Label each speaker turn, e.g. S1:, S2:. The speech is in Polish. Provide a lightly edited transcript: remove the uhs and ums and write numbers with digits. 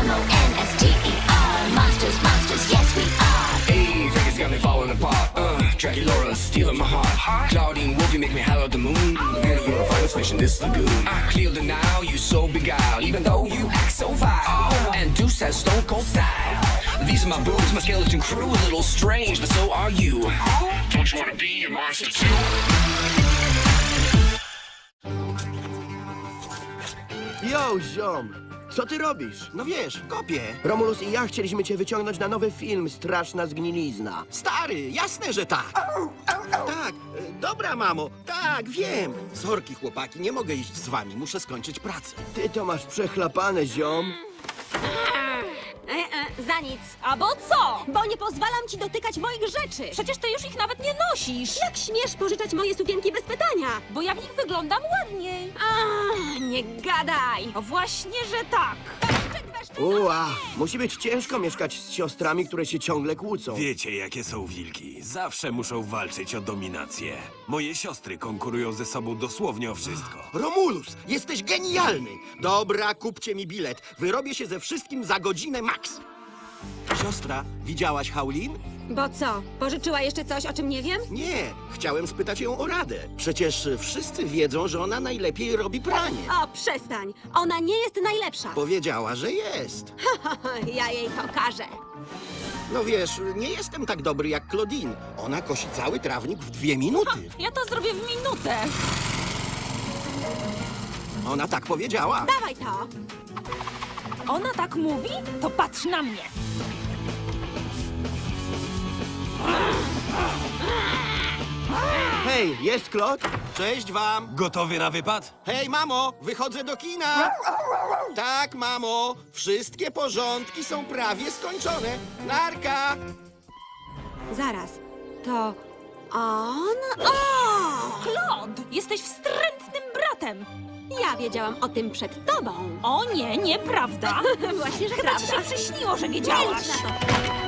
S1: M-O-N-S-T-E-R. Monsters, monsters, yes we are.
S2: Hey, Vegas got me falling apart. Dracula stealing my heart. Claudine Wolfie make me holler at the moon. And you're a finest fish in this lagoon. I clear the now, you so beguiled. Even though you act so vile. And Deuce has stone cold style. These are my boobs, my skeleton crew. A little strange, but so are you. Don't you wanna be a monster too?
S3: Yo, ziom! Co ty robisz?
S4: No wiesz, kopię.
S3: Romulus i ja chcieliśmy cię wyciągnąć na nowy film Straszna zgnilizna.
S4: Stary, jasne, że tak. Tak, dobra, mamo. Tak, wiem. Sorki, chłopaki, nie mogę iść z wami. Muszę skończyć pracę.
S3: Ty to masz przechlapane, ziom.
S5: Za nic. Albo co? Bo nie pozwalam ci dotykać moich rzeczy.
S6: Przecież ty już ich nawet nie nosisz.
S5: Jak śmiesz pożyczać moje sukienki bez pytania?
S6: Bo ja w nich wyglądam ładniej.
S5: Nie gadaj.
S6: O właśnie, że tak.
S3: Ua, musi być ciężko mieszkać z siostrami, które się ciągle kłócą.
S7: Wiecie, jakie są wilki. Zawsze muszą walczyć o dominację. Moje siostry konkurują ze sobą dosłownie o wszystko.
S4: Romulus, jesteś genialny. Dobra, kupcie mi bilet. Wyrobię się ze wszystkim za godzinę max. Siostra, widziałaś Haulin?
S5: Bo co? Pożyczyła jeszcze coś, o czym nie wiem?
S4: Nie, chciałem spytać ją o radę. Przecież wszyscy wiedzą, że ona najlepiej robi pranie.
S5: O, przestań. Ona nie jest najlepsza.
S4: Powiedziała, że jest.
S5: Ja jej pokażę.
S4: No wiesz, nie jestem tak dobry jak Claudine. Ona kosi cały trawnik w 2 minuty.
S6: Ja to zrobię w minutę.
S4: Ona tak powiedziała.
S5: Dawaj to.
S6: Ona tak mówi? To patrz na mnie.
S3: Hej, jest Claude?
S4: Cześć wam.
S7: Gotowy na wypad?
S4: Hej, mamo, wychodzę do kina. Tak, mamo, wszystkie porządki są prawie skończone. Narka!
S5: Zaraz. To on? O!
S6: Claude, jesteś wstrętnym bratem.
S5: Ja wiedziałam o tym przed tobą.
S6: O nie, nieprawda.
S5: Właśnie, że
S6: Chyba ci
S5: prawda.
S6: się przyśniło, że wiedziałaś.
S5: Milcz na to.